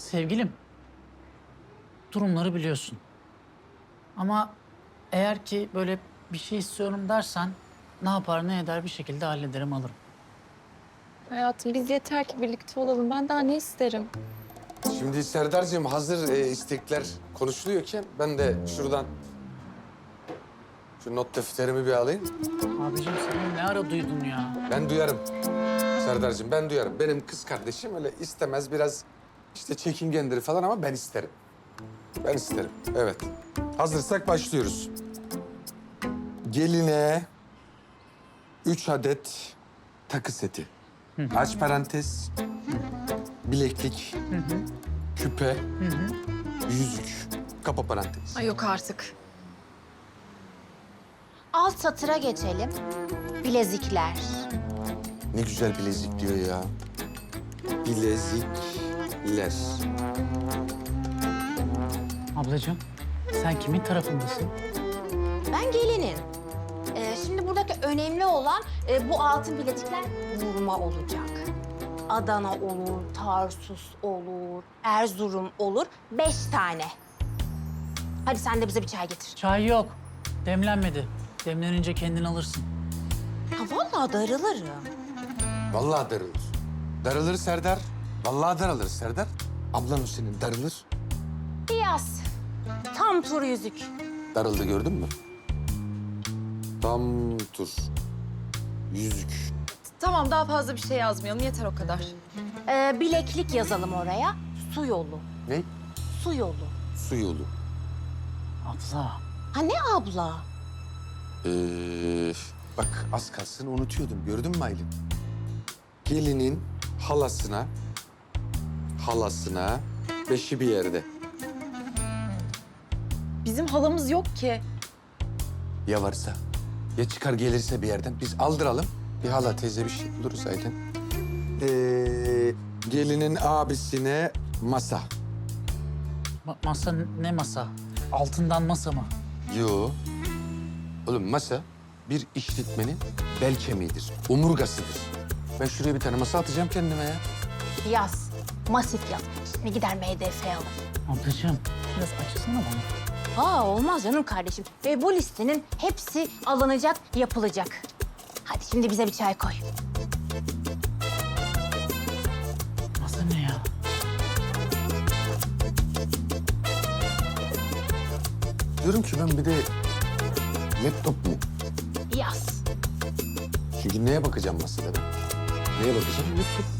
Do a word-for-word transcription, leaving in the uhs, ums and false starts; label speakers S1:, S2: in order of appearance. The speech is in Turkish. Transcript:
S1: Sevgilim, durumları biliyorsun. Ama eğer ki böyle bir şey istiyorum dersen ne yapar ne eder bir şekilde hallederim alırım.
S2: Hayatım biz yeter ki birlikte olalım. Ben daha ne isterim?
S3: Şimdi Serdar'cığım hazır e, istekler konuşuluyorken ben de şuradan şu not defterimi bir alayım.
S1: Abicim sen ne ara duydun ya?
S3: Ben duyarım Serdar'cığım, ben duyarım. Benim kız kardeşim öyle istemez, biraz işte çekingendir falan ama ben isterim. Ben isterim, evet. Hazırsak başlıyoruz. Geline üç adet takı seti. Aç parantez, bileklik, küpe, yüzük, kapa parantez.
S2: Ay yok artık.
S4: Alt satıra geçelim. Bilezikler.
S3: Ne güzel bilezik diyor ya. Bilezikler.
S1: Ablacığım sen kimin tarafındasın?
S4: Ben gelinin. Ee, şimdi buradaki önemli olan e, bu altın bilezikler vurma olacak. Adana olur, Tarsus olur, Erzurum olur. Beş tane. Hadi sen de bize bir çay getir.
S1: Çay yok. Demlenmedi. Demlenince kendin alırsın.
S4: Ha vallahi darılırım.
S3: Vallahi darılır. Darılır Serdar. Vallahi darılır Serdar. Ablan senin darılır.
S4: Yaz. Tam tur yüzük.
S3: Darıldı gördün mü? Tam tur. Yüzük.
S2: Tamam daha fazla bir şey yazmayalım. Yeter o kadar.
S4: Ee, bileklik yazalım oraya. Su yolu.
S3: Ne?
S4: Su yolu.
S3: Su yolu.
S1: Abla.
S4: Ha ne abla?
S3: Ee, bak az kalsın unutuyordum. Gördün mü Aylin? Gelinin halasına, halasına beşi bir yerde.
S2: Bizim halamız yok ki.
S3: Ya varsa, ya çıkar gelirse bir yerden biz aldıralım. Bir hala teyze bir şey buluruz zaten. Ee, gelinin abisine masa.
S1: Ma- masa ne masa? Altından masa mı?
S3: Yo. Oğlum masa bir işletmenin bel kemiğidir, omurgasıdır. Ben şuraya bir tane masa atacağım kendime ya.
S4: Yaz. Masif yaz. Şimdi gider M D F alır.
S1: Ablacığım biraz açsana bana.
S4: Ha olmaz canım kardeşim. Ve bu listenin hepsi alınacak, yapılacak. Hadi şimdi bize bir çay koy.
S1: Masa ne ya?
S3: Diyorum ki ben bir de laptop mu?
S4: Yaz.
S3: Çünkü neye bakacağım masada ben? Neye bakacağım? Laptop.